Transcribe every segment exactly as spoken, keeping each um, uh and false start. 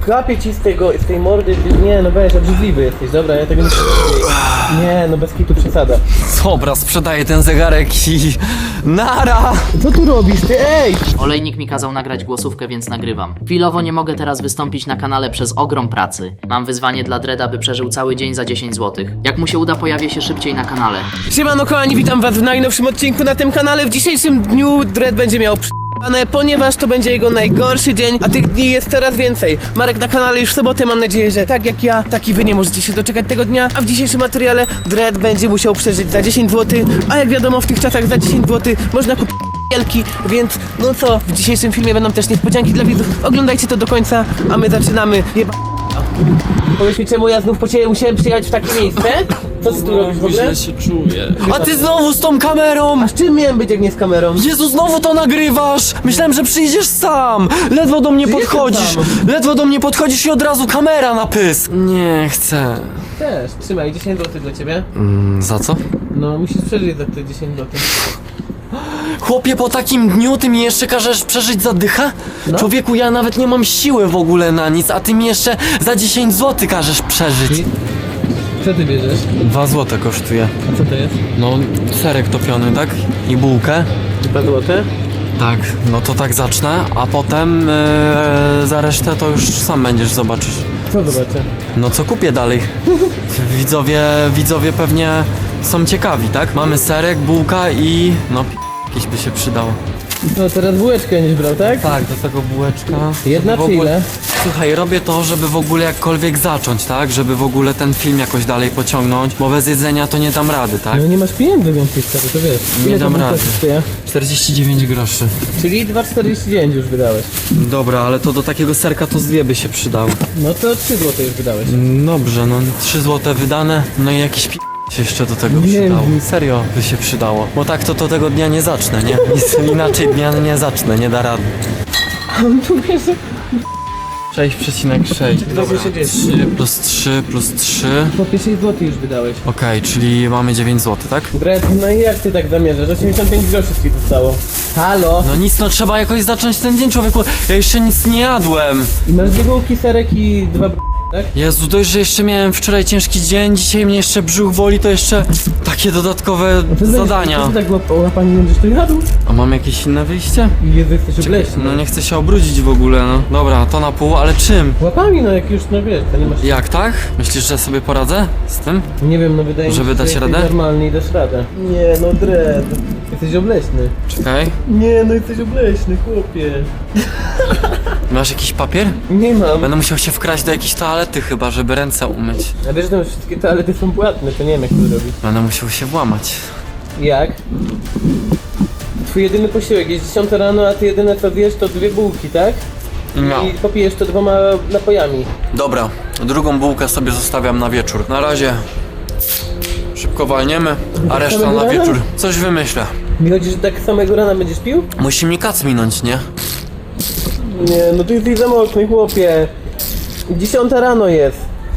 Wklapię ci z tego, z tej mordy, ty, nie no weź, obrzydliwy jesteś, dobra, ja tego nie chcę. Nie no, bez kitu przesada. Dobra, sprzedaję ten zegarek i... Nara! Co tu robisz, ty, ej! Olejnik mi kazał nagrać głosówkę, więc nagrywam. Chwilowo nie mogę teraz wystąpić na kanale przez ogrom pracy. Mam wyzwanie dla Dreda, by przeżył cały dzień za dziesięć złotych. Jak mu się uda, pojawię się szybciej na kanale. Siemano kochani, witam was w najnowszym odcinku na tym kanale. W dzisiejszym dniu Dred będzie miał p***ane, ponieważ to będzie jego najgorszy dzień, a tych dni jest coraz więcej. Marek na kanale już w sobotę, mam nadzieję, że tak jak ja, tak i wy nie możecie się doczekać tego dnia. A w dzisiejszym materiale Dred będzie musiał przeżyć za dziesięć złotych, a jak wiadomo w tych czasach za dziesięć złotych można kupić wielki, więc no co, w dzisiejszym filmie będą też niespodzianki dla widzów. Oglądajcie to do końca, a my zaczynamy. Jeba... Powiedz mi, czemu ja znów po ciebie musiałem przyjechać w takie miejsce? Co ty tu robisz w ogóle? Źle się czuję. A ty znowu z tą kamerą! A z czym miałem być, jak nie z kamerą? Jezu, znowu to nagrywasz! Myślałem, że przyjdziesz sam! Ledwo do mnie Przyjeżdżam podchodzisz! sam. Ledwo do mnie podchodzisz i od razu kamera na pysk! Nie chcę. Też, trzymaj, dziesięć złotych dla ciebie. Mm, za co? No, musisz przeżyć za te dziesięć złotych. Chłopie, po takim dniu ty mi jeszcze każesz przeżyć za dychę? No. Człowieku, ja nawet nie mam siły w ogóle na nic, a ty mi jeszcze za dziesięć złotych każesz przeżyć. Co ty bierzesz? Dwa złote kosztuje. A co to jest? No, serek topiony, tak? I bułkę. dwa złote? Tak, no to tak zacznę, a potem yy, za resztę to już sam będziesz zobaczysz. Co zobaczę? No co kupię dalej? Widzowie, widzowie pewnie są ciekawi, tak? Mamy serek, bułka i no p... jakieś by się przydało. No, teraz bułeczkę będziesz brał, tak? Tak, do tego bułeczka. Jedna Żeby w czy ogóle- ile? Słuchaj, robię to, żeby w ogóle jakkolwiek zacząć, tak? Żeby w ogóle ten film jakoś dalej pociągnąć, bo bez jedzenia to nie dam rady, tak? No nie masz pieniędzy więcej, stary, to wiesz. Nie Ile dam to rady. kosztuje? czterdzieści dziewięć groszy. Czyli dwa czterdzieści dziewięć już wydałeś. Dobra, ale to do takiego serka to z dwie by się przydało. No to trzy złote już wydałeś. Dobrze, no trzy złote wydane, no i jakiś p... się jeszcze do tego Nie przydało. wiem. Serio by się przydało. Bo tak to, to tego dnia nie zacznę, nie? Nic inaczej dnia nie zacznę, nie da rady. Tu wiesz, sześć przecinek sześć. dwadzieścia dziewięć. trzy plus trzy plus trzy. po sześć złotych już wydałeś. Okej, czyli mamy dziewięć złotych, tak? Dred, no i jak ty tak zamierzasz? osiemdziesiąt pięć groszy ci zostało. Halo? No nic, no trzeba jakoś zacząć ten dzień, człowieku. Ja jeszcze nic nie jadłem. I masz dwie bułki, serek i dwa b... tak? Jezu, dość, że jeszcze miałem wczoraj ciężki dzień, dzisiaj mnie jeszcze brzuch woli, to jeszcze takie dodatkowe To zadania. Co ty tak łap łapanie będziesz tu jadł? A mam jakieś inne wyjście? Jezu, jesteś obleśny. No nie chcę się obrudzić w ogóle, no. Dobra, to na pół, ale czym? Łapami, no jak już, no wiesz, to nie masz... Jak tak? Myślisz, że sobie poradzę z tym? Nie wiem, no wydaje mi się, Żeby że dać jesteś radę? normalny i dasz radę. Nie, no Dred, jesteś obleśny. Czekaj. Nie, no jesteś obleśny, chłopie. Masz jakiś papier? Nie mam. Będę musiał się wkraść do jakiejś toalety chyba, żeby ręce umyć. A wiesz, że tam wszystkie toalety są płatne, to nie wiem jak to zrobić. Będę musiał się włamać. Jak? Twój jedyny posiłek jest dziesiąta rano, a ty jedyne co wiesz to dwie bułki, tak? No. I popijesz to dwoma napojami. Dobra, drugą bułkę sobie zostawiam na wieczór. Na razie szybko walniemy, a reszta na samego rana? wieczór. Coś wymyślę. Mi chodzi, że tak samego rana będziesz pił? Musi mi kac minąć, nie? Nie, no ty jesteś za mocny, chłopie. Dziesiąta rano jest.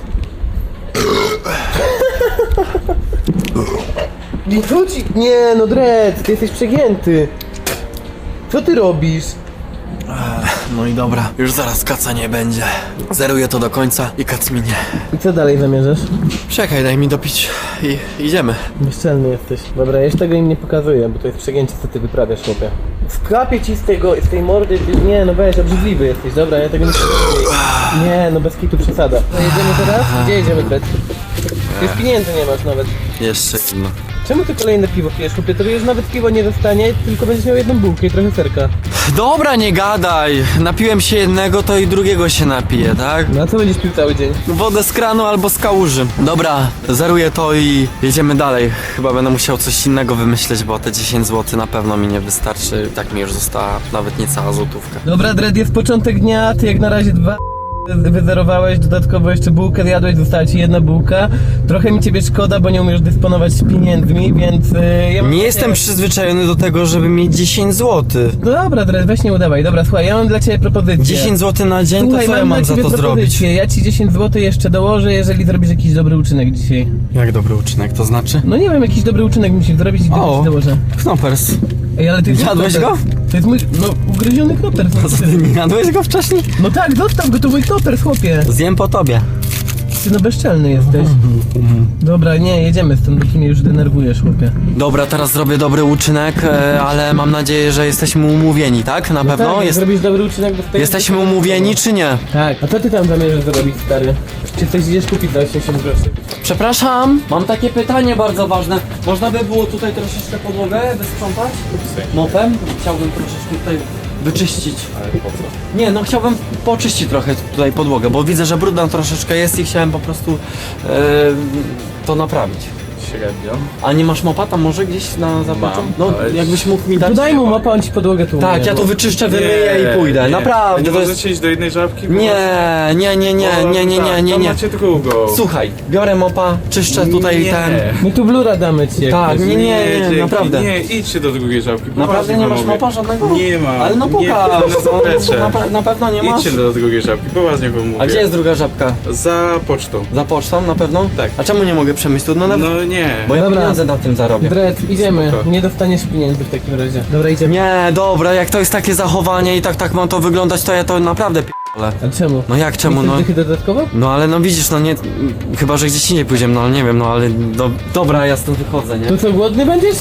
Nie chodzi... Nie, no Dred, ty jesteś przegięty. Co ty robisz? No i dobra, już zaraz kaca nie będzie. Zeruję to do końca i kac minie. I co dalej zamierzasz? Czekaj, daj mi dopić i idziemy. Bezczelny jesteś. Dobra, jeszcze tego im nie pokazuję, bo to jest przegięcie, co ty wyprawiasz, chłopie. Wklapię ci z tego, z tej mordy, ty... Nie, no weź, obrzydliwy jesteś, dobra, ja tego nie chcę. Nie, no bez kitu przesada. No jedziemy teraz? Gdzie jedziemy, Dred? Już pieniędzy nie masz nawet. Jeszcze jedno. Czemu ty kolejne piwo pijesz, chłopie? Tobie już nawet piwo nie zostanie, tylko będziesz miał jedną bułkę i trochę serka. Dobra, nie gadaj. Napiłem się jednego, to i drugiego się napiję, tak? No a co będziesz pił cały dzień? Wodę z kranu albo z kałuży. Dobra, zeruję to i jedziemy dalej. Chyba będę musiał coś innego wymyśleć, bo te dziesięć złotych na pewno mi nie wystarczy. Tak mi już została nawet niecała złotówka. Dobra, Dred, jest początek dnia, ty jak na razie dwa wyzerowałeś, dodatkowo jeszcze bułkę zjadłeś, została ci jedna bułka. Trochę mi ciebie szkoda, bo nie umiesz dysponować pieniędzmi, więc... Yy, ja mam Nie dla jestem ciebie- przyzwyczajony do tego, żeby mieć dziesięć złotych. No dobra, Dred, weź nie udawaj. Dobra, słuchaj, ja mam dla ciebie propozycję. dziesięć złotych na dzień, Słuchaj, to co ja mam dla za ciebie to zrobić? propozycję. Ja ci dziesięć złotych jeszcze dołożę, jeżeli zrobisz jakiś dobry uczynek dzisiaj. Jak dobry uczynek, to znaczy? No nie wiem, jakiś dobry uczynek musisz zrobić i O, ci dołożę. Knoppers. Ej, ale ty Jadłeś knoper. go? To jest mój, no, ugryziony knoper. To co, ty nie jadłeś go wcześniej? No tak, zostaw go, to mój knoper, chłopie. Zjem po tobie. Ty no bezczelny jesteś. Dobra, nie, jedziemy stąd, bo ty mnie już denerwujesz, chłopie. Dobra, teraz zrobię dobry uczynek, e, ale mam nadzieję, że jesteśmy umówieni, tak? Na pewno? Tak, jak Jest, zrobisz dobry uczynek, dostajesz... jesteśmy umówieni czy nie? Tak. A co ty tam zamierzasz zrobić, stary? Czy coś idziesz kupić za osiemdziesiąt groszy? Przepraszam, mam takie pytanie bardzo ważne. Można by było tutaj troszeczkę podłogę wysprzątać? Mopem? Chciałbym troszeczkę tutaj wyczyścić. Ale po co? Nie, no chciałbym poczyścić trochę tutaj podłogę, bo widzę, że brudna troszeczkę jest i chciałem po prostu e, to naprawić. Średnio. A nie masz mopa tam może gdzieś na zapleczu? Mam, No, ale- jakbyś mógł mi dać. Dodaj mu mopa, on ci podłogę tu Tak, umyje, ja bo- to wyczyszczę, wymyję i pójdę. nie. Naprawdę, Nie to jest... możecie iść do jednej żabki? Bo Nie, nie, nie, nie, Bo nie, nie, nie, tak, nie, tam nie. macie drugą. Słuchaj, biorę mopa, czyszczę tutaj Nie. ten... My tu blura damy ci. jak Tak, chcesz. nie, nie, nie, dzięki, naprawdę. Nie, idźcie do drugiej żabki. Naprawdę poważnie nie wam masz mówię. mopa żadnego? Nie ma. Ale no Nie, pokaż, na zaplecze. na, pe- na pewno nie masz? Idźcie do drugiej żabki, poważnie wam mówię. A gdzie jest druga żabka? Za pocztą. Za pocztą na pewno? Tak. A czemu nie mogę przemyśleć tu? No, nawet... No nie. Bo ja Dobra. pieniądze na tym zarobię. Dred, idziemy. Spoko. Nie dostaniesz pieniędzy w takim razie. Dobra, idziemy. Nie, dobra, jak to jest takie zachowanie i tak tak ma to wyglądać, to ja to naprawdę p***le. A czemu? No jak czemu, Nie no? chcesz dychy dodatkowo? No ale no widzisz, no nie, chyba że gdzieś indziej pójdziemy, no nie wiem, no ale do, dobra, ja stąd wychodzę, nie? To co, głodny będziesz?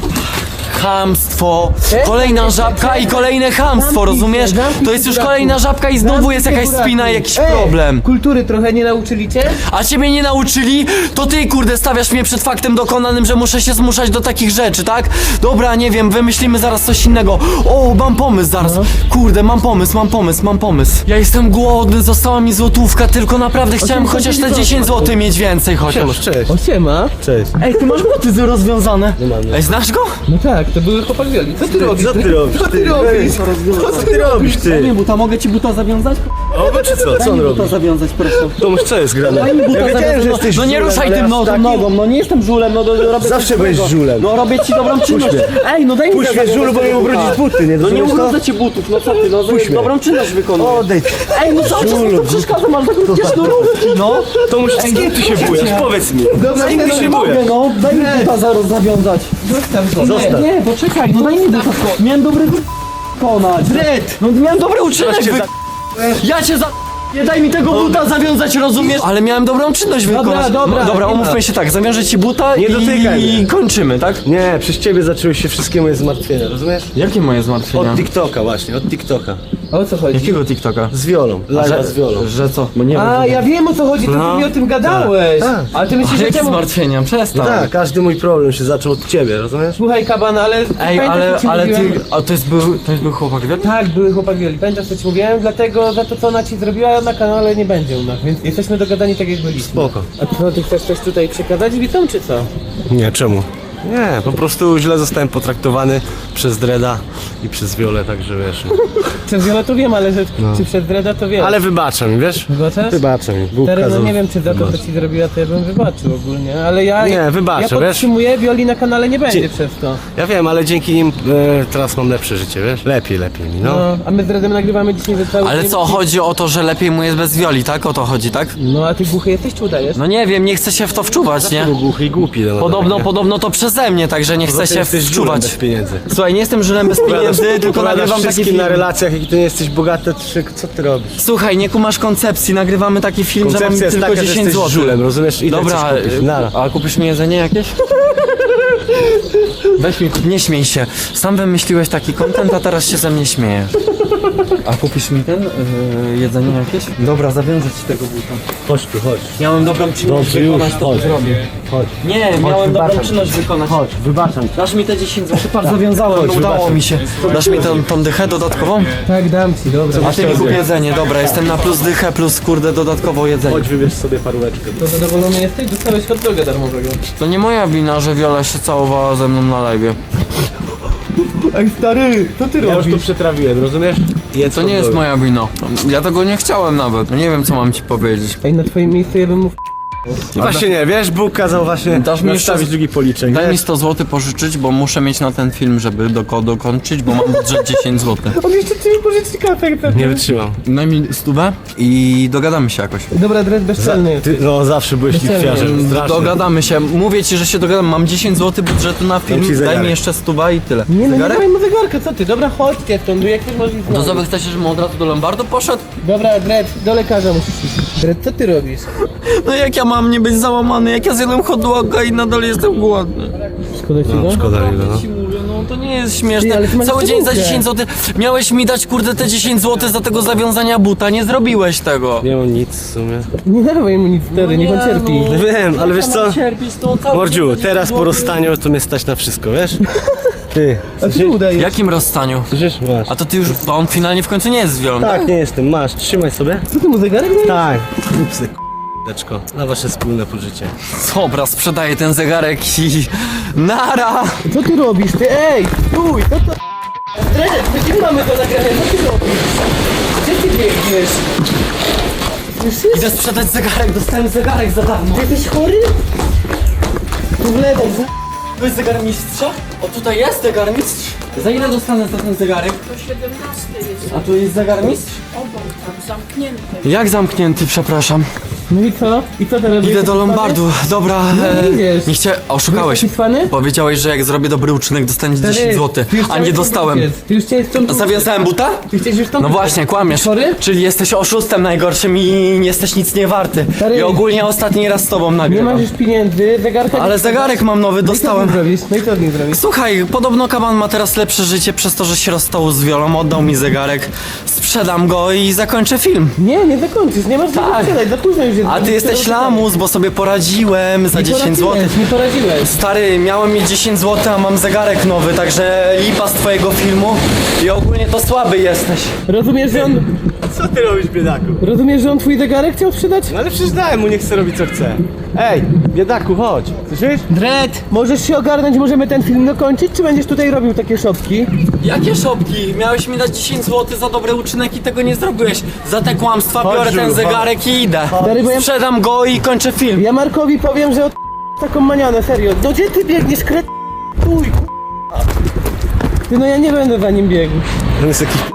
Chamstwo, Czekaj, kolejna czekaj, żabka czekaj. i kolejne chamstwo, Zamknij rozumiesz? się, zamknij To jest się, już buraku. kolejna żabka i znowu jest jakaś spina i jakiś Ej, problem. Kultury trochę nie nauczyli cię? A ciebie nie nauczyli? To ty, kurde, stawiasz mnie przed faktem dokonanym, że muszę się zmuszać do takich rzeczy, tak? Dobra, nie wiem, wymyślimy zaraz coś innego. O, mam pomysł zaraz. Kurde, mam pomysł, mam pomysł, mam pomysł. Ja jestem głodny, została mi złotówka, tylko naprawdę chciałem chociaż te dziesięć złotych mieć więcej chociaż. Cześć. O, siema. Cześć. Ej, ty masz buty rozwiązane. Ej, znasz go? No tak, to były chłopak Wioli. Co ty robisz? Co ty robisz? Co ty robisz? Co ty robisz, ty? Nie, buta, mogę ci buta zawiązać? O, no czy co? Co on robi? Buta zawiązać, proszę. Tomuś, co jest grane? Daj mi buta Ja wiedziałem, zawiązać, że no, jesteś no nie żulem, ruszaj ale tym aż nogą, taki- nogą, no nie jestem żulem, no do, robię Zawsze coś byłeś złego. żulem. No robię ci dobrą czynność. mnie. Ej, no daj mi Puść mnie, zawiązać żulu, bo tego mi buta. ubrudzisz buty, nie No nie rozumiesz to? ubrudzę ci butów, no co ty, no Puść mnie. dobrą czynność wykonuję. Odejdź. Ej, no cały czas mi to przeszkadza, masz takie krótkie sznurówki, no. Tomuś, z kim ty się bujasz? Powiedz mi. Dobra, Z kim ty nie się mogę, bujasz? No, daj mi buta zaraz zawiązać. Zostaw go. Zostaw. Nie, poczekaj, no daj mi buta. Miałem dobry wykonać. Red! No miałem dobry uczynek Zaraz cię wy... za- Ja cię za... Nie daj mi tego buta zawiązać, rozumiesz? Ale miałem dobrą czynność wykonać. dobra, No, dobra, nie umówmy ma. się tak, zawiążę ci buta Nie i, dotykaj mnie. i kończymy, tak? Nie, przez ciebie zaczęły się wszystkie moje zmartwienia, rozumiesz? Jakie moje zmartwienia? Od TikToka właśnie, od TikToka. O co chodzi? Jakiego TikToka? Z wiolą, live'a z wiolą. Że co? Bo nie A, ja wiem o co chodzi, to No. ty mi o tym gadałeś. Tak, tak. Ale ty myślisz, że Jakie czemu... zmartwienia? Przestań. Tak, każdy mój problem się zaczął od ciebie, rozumiesz? Słuchaj, kaban, ale... Ej, pamiętasz, ale, co ci ale mówiłem? ty... A to jest był, to jest był chłopak, wiesz? Tak, były chłopak Wioli. Pamiętasz, co ci mówiłem? Dlatego za to, co ona ci zrobiła na kanale nie będzie u nas, więc jesteśmy dogadani tak, jak byliśmy. Spoko. A co, ty chcesz coś tutaj przekazać widzom, czy co? Nie, czemu? Nie, po prostu źle zostałem potraktowany przez Dreda i przez Wiolę, także wiesz. Przez Wiolę to wiem, ale że, czy przez Dreda to wiem. Ale wybaczam mi, wiesz? Wybaczasz? Wybaczam mi. Bóg Stary, no kazał nie wiem, czy za to, co wybaczyć. ci zrobiła, to ja bym wybaczył ogólnie, ale ja... Nie, wybaczę, Ja wiesz? podtrzymuję, Wioli na kanale nie będzie Dzie- przez to. Ja wiem, ale dzięki nim e, teraz mam lepsze życie, wiesz? Lepiej, lepiej mi, no. No, a my z Dredem nagrywamy dzisiaj ze cały Ale dzień. co, chodzi o to, że lepiej mu jest bez Wioli, tak? O to chodzi, tak? No, a ty głuchy jesteś, czy udajesz? No nie wiem, nie chcę się w to wczuwać, nie? Był głuchy i głupi. No, Podobno, tak, podobno to przeze mnie, także nie chcę Poza tym się jesteś żulem wczuwać. bez pieniędzy. Słuchaj, nie jestem żylem bez pieniędzy, tylko Opowiadasz nagrywam taki wszystkim film. na relacjach, jak ty nie jesteś bogaty, czy co ty robisz? Słuchaj, nie kumasz koncepcji, nagrywamy taki film, że mam Koncepcja jest tylko taka, że dziesięć jesteś złotych. żulem, rozumiesz? I Dobra, chcesz kupić. Nara. a kupisz mi jedzenie jakieś? Weź mi, kup, nie śmiej się. Sam wymyśliłeś taki content, a teraz się ze mnie śmiejesz. A kupisz mi ten, yy, jedzenie jakieś? Dobra, zawiążę ci tego buta. Chodź tu, chodź. Miałem dobrą czynność Dobrze, już, wykonać, to chodź. zrobię. Chodź. Nie, miałem dobrą wybaczam. czynność wykonać. Chodź, wybaczam. Dasz mi te dziesięć złotych, patrz, zawiązałem, Chodź, udało wybaczam. mi się. Dasz mi tą, tą dychę dodatkową? Tak, dam ci, dobra. A ty mi kup jedzenie, dobra, jestem na plus dychę, plus kurde dodatkowo jedzenie. Chodź, wybierz sobie paróweczkę. To zadowolony jesteś? Dostałeś hot doga darmowego. To nie moja wina, że Wiola się całowała ze mną na live'ie. Ej, stary, co ty Ja już to przetrawiłem, rozumiesz? Jedz To nie jest moja wina. Ja tego nie chciałem nawet. Nie wiem, co mam ci powiedzieć. Ej, na twoim miejscu ja bym mu Właśnie nie, wiesz, Bóg kazał właśnie Dasz mi jeszcze- nastawić drugi policzek, Daj mi wiesz? sto złotych pożyczyć, bo muszę mieć na ten film, żeby doko dokończyć, bo mam budżet dziesięć złotych. On jeszcze ci pożyczy kartę, tak? Nie wytrzymam. Daj mi stówę i dogadamy się jakoś. Dobra, Dread bezczelny. Ty, no zawsze byłeś Bezczelnie. lichwiarzem, strasznie. Dogadamy się. Mówię ci, że się dogadam. Mam dziesięć złotych budżetu na film. ci Daj zegarek. mi jeszcze stuwa i tyle. Nie no, nie Zegarek? dawaj mu zegarka, co ty? Dobra, chodźcie stąd, jak ty możesz To co, wy chcecie, żebym od razu do Lombardu poszedł? Dobra, Dread, do lekarza musisz iść. Dread, co ty robisz? No jak ja mam nie być załamany, jak ja zjadłem hot doga i nadal jestem głodny. Szkoda ci go? No, szkoda mi go, no. Ci mówię, no to nie jest śmieszne. Ty, ale ty masz Cały dzień za czołówkę. dziesięć złotych. Miałeś mi dać kurde te dziesięć złotych za tego zawiązania buta, nie zrobiłeś tego. Nie mam nic w sumie. Nie dawaj mu nic wtedy, niech on cierpi. No wiem, ale wiesz co? Cierpisz, to cały Mordziu, dzień za teraz dziesięć po złotych. rozstaniu to mnie stać na wszystko, wiesz? Ty, A ty mu W dajesz? jakim rozstaniu? słyszysz? Masz. A to ty już, to on finalnie w końcu nie jest z wiolą. Tak, nie jestem, masz, trzymaj sobie. Co ty mu zegarek dajesz? Tak, rób se k***eczko, na wasze wspólne pożycie. Dobra, sprzedaję ten zegarek i... Nara! Co ty robisz? Ty, ej, stój, co to? Dread, gdzie mamy to nagrane? Co ty robisz? Gdzie ty biegniesz? Już jest? Idę sprzedać zegarek, dostałem zegarek za darmo. Ty jesteś chory? Tu wlewaj, za... To jest zegarmistrza? O, tutaj jest zegarmistrz. Za ile dostanę za ten zegarek? To siedemnaście jest. A tu jest zegarmistrz? Obok, tam zamknięty. Jak zamknięty, przepraszam. No i co? I co teraz? Idę Jesteś do Lombardu, dobra. No, idziesz. nie chciałem, oszukałeś. Jesteś cwany? Powiedziałeś, że jak zrobię dobry uczynek, dostaniesz Stary, dziesięć złotych, ty już a chciałeś nie stąd dostałem. uciec. Ty już chciałeś stąd uciec. Zawiązałem buta? Ty chciałeś już stąd No uciec. właśnie, kłamiesz. Chory? Czyli jesteś oszustem najgorszym i nie jesteś nic nie warty. Stary. I ogólnie ostatni raz z tobą Nie nagrywam. masz już pieniędzy, zegarka... Ale nie- zegarek mam nowy, No i co z nim dostałem. zrobisz? No i co z nim zrobisz? Słuchaj, podobno Kaban ma teraz lepsze życie przez to, że się rozstał z Wiolą, oddał mi zegarek, sprzedam go i zakończę film. Nie, nie zakończysz, nie masz tak. Tak. sprzedać, za późno już jest. A ty jesteś lamus, bo sobie poradziłem za Nie dziesięć złotych. poradziłeś, Nie poradziłeś. Stary, miałem mieć dziesięć złotych, a mam zegarek nowy, także lipa z twojego filmu i ogólnie to słaby jesteś. Rozumiesz, że on... Co ty robisz, biedaku? Rozumiesz, że on twój zegarek chciał sprzedać? No ale przecież dałem mu, niech chce robić co chce. Ej, biedaku, chodź. Słyszysz? Dread, możesz się ogarnąć, możemy ten film dokończyć, czy będziesz tutaj robił takie szopki? Jakie szopki? Miałeś mi dać dziesięć złotych za dobry uczynek i tego nie zrobiłeś. Za te kłamstwa Chodź, biorę ten Żulu, zegarek i idę. Stary, bo ja- Sprzedam go i kończę film. Ja Markowi powiem, że od taką manianę, serio. No gdzie ty biegniesz, kret... Uj, Ty, no ja nie będę za nim biegł. On jest jakiś...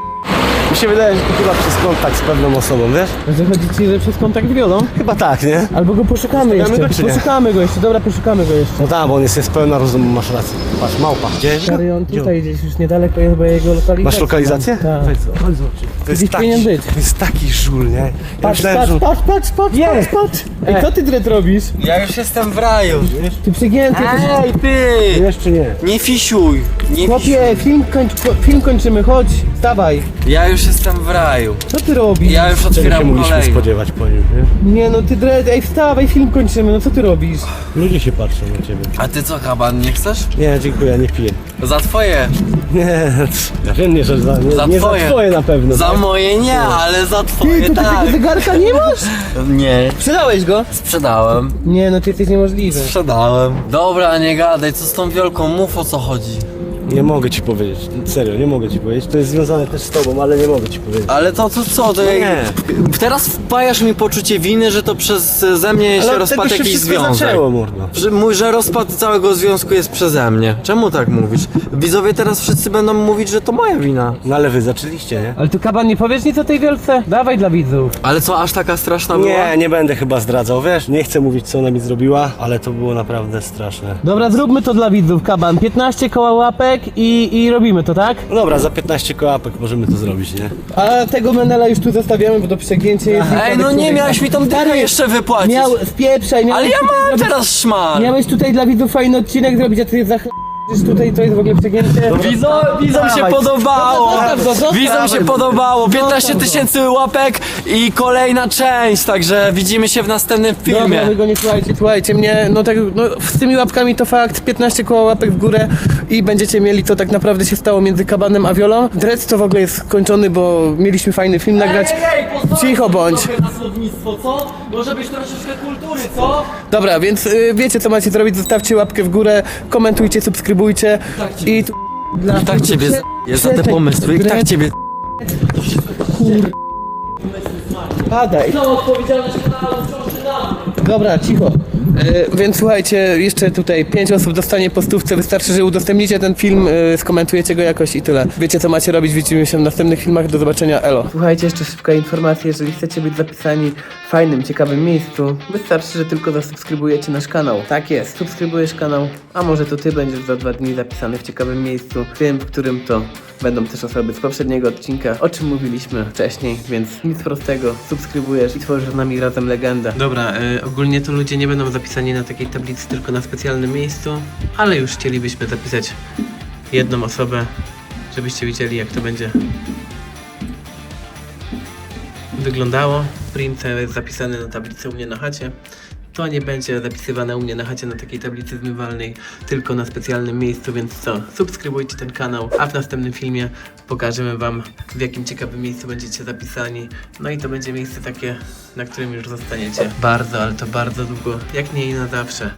Mi się wydaje, że to chyba przez kontakt z pewną osobą, wiesz? Że chodzi ci, że przez kontakt z Wiolą? Chyba tak, nie? Albo go poszukamy jeszcze. go, czy nie? Poszukamy go jeszcze, dobra, poszukamy go jeszcze. No tak, bo on jest, jest pełna rozumu, masz rację. Patrz, małpa. Gdzie? Stary, on tutaj gdzieś już niedaleko jest, bo jego lokalizacja. Masz lokalizację? Tak. Chodź, chodź zobacz. To jest Gdzieś taki, powinien być. to jest taki żul, nie? Ja Patrz, myślałem, patrz, że... patrz, patrz, patrz, patrz, patrz. Ej, co ty, Dread, robisz? Ja już jestem w raju. Ty przegięty, ty... Ej, ty! Jeszcze nie. Nie fisiuj! Nie fisiuj. Chłopie, film, kończ, film kończymy, chodź, wstawaj. Ja już jestem w raju. Co ty robisz? Ja już Czego się otwieram mogliśmy kolejny. spodziewać po nim, nie? Nie no, ty Dread, ej, wstawaj, film kończymy, no co ty robisz? Ludzie się patrzą na ciebie. A ty co, Kaban, nie chcesz? Nie, dziękuję, ja nie piję. Za twoje. Nie, ja wiem, nie, że za, nie, Za nie twoje. za twoje na pewno. Za tak? moje nie, ale za Ty, twoje to ty tak. tego zegarka nie masz? Nie. Sprzedałeś go? Sprzedałem. Nie no, ty jesteś niemożliwy. Sprzedałem. Dobra, nie gadaj, co z tą wielką, mów o co chodzi. Nie mogę ci powiedzieć, serio, nie mogę ci powiedzieć. To jest związane też z tobą, ale nie mogę ci powiedzieć. Ale to, to co, to jak... Nie. Teraz wpajasz mi poczucie winy, że to przez ze mnie się Ale od rozpadł tego się jakiś wszystko związek. zaczęło, mordo. Że, mój, że rozpad całego związku jest przeze mnie. Czemu tak mówisz? Widzowie teraz wszyscy będą mówić, że to moja wina. No ale wy zaczęliście, nie? Ale tu Kaban, nie powiesz nic o tej wielce? Dawaj dla widzów. Ale co, aż taka straszna była? Nie, nie będę chyba zdradzał, wiesz? Nie chcę mówić, co ona mi zrobiła, ale to było naprawdę straszne. Dobra, zróbmy to dla widzów, Kaban. piętnaście koła łapek i, i robimy to, tak? No dobra, za piętnaście kołapek możemy to zrobić, nie? A tego Menela już tu zostawiamy, bo to przegięcie jest... Ej, no nie, miałeś mi tą dychę jeszcze wypłacić. Miał, spieprzaj, miałeś Ale ja tutaj mam zrobić- teraz szmar. Miałeś tutaj dla widzów fajny odcinek zrobić, a ty za ch... tutaj to jest w ogóle przegięcie. Widzom, widzom się Dawaj. podobało! Zostaw go, zostaw Widzom się go. podobało! piętnaście go. tysięcy łapek i kolejna część, także widzimy się w następnym Dobra, filmie. wy go nie słuchajcie, słuchajcie mnie, no tak, no z tymi łapkami to fakt, piętnaście koła łapek w górę i będziecie mieli, to tak naprawdę się stało między Kabanem a Wiolą. Dread to w ogóle jest skończony, bo mieliśmy fajny film nagrać. Cicho bądź. Na słownictwo, co? Może być troszeczkę kultury, co? Dobra, więc y, wiecie co macie zrobić, zostawcie łapkę w górę, komentujcie, subskrybujcie i tu... Dla... I tak ciebie z... jest za te Przestań, pomysły, i tak Dread, ciebie... Padaj. Całą odpowiedzialność kanału wciąż na mnie. Dobra, cicho. E, więc słuchajcie, jeszcze tutaj pięć osób dostanie po stówce. Wystarczy, że udostępnicie ten film, e, skomentujecie go jakoś i tyle. Wiecie, co macie robić. Widzimy się w następnych filmach. Do zobaczenia. Elo. Słuchajcie, jeszcze szybka informacja. Jeżeli chcecie być zapisani w fajnym, ciekawym miejscu, wystarczy, że tylko zasubskrybujecie nasz kanał. Tak jest. Subskrybujesz kanał, a może to ty będziesz za dwa dni zapisany w ciekawym miejscu. Tym, w którym to będą też osoby z poprzedniego odcinka, o czym mówiliśmy wcześniej, więc nic prostego, subskrybujesz i tworzysz z nami razem legendę. Dobra, y, ogólnie to ludzie nie będą zapisani na takiej tablicy, tylko na specjalnym miejscu, ale już chcielibyśmy zapisać jedną osobę, żebyście widzieli, jak to będzie wyglądało. Prince jest zapisany na tablicy u mnie na chacie. To nie będzie zapisywane u mnie na chacie na takiej tablicy zmywalnej, tylko na specjalnym miejscu, więc co? Subskrybujcie ten kanał, a w następnym filmie pokażemy wam, w jakim ciekawym miejscu będziecie zapisani. No i to będzie miejsce takie, na którym już zostaniecie bardzo, ale to bardzo długo, jak nie i na zawsze.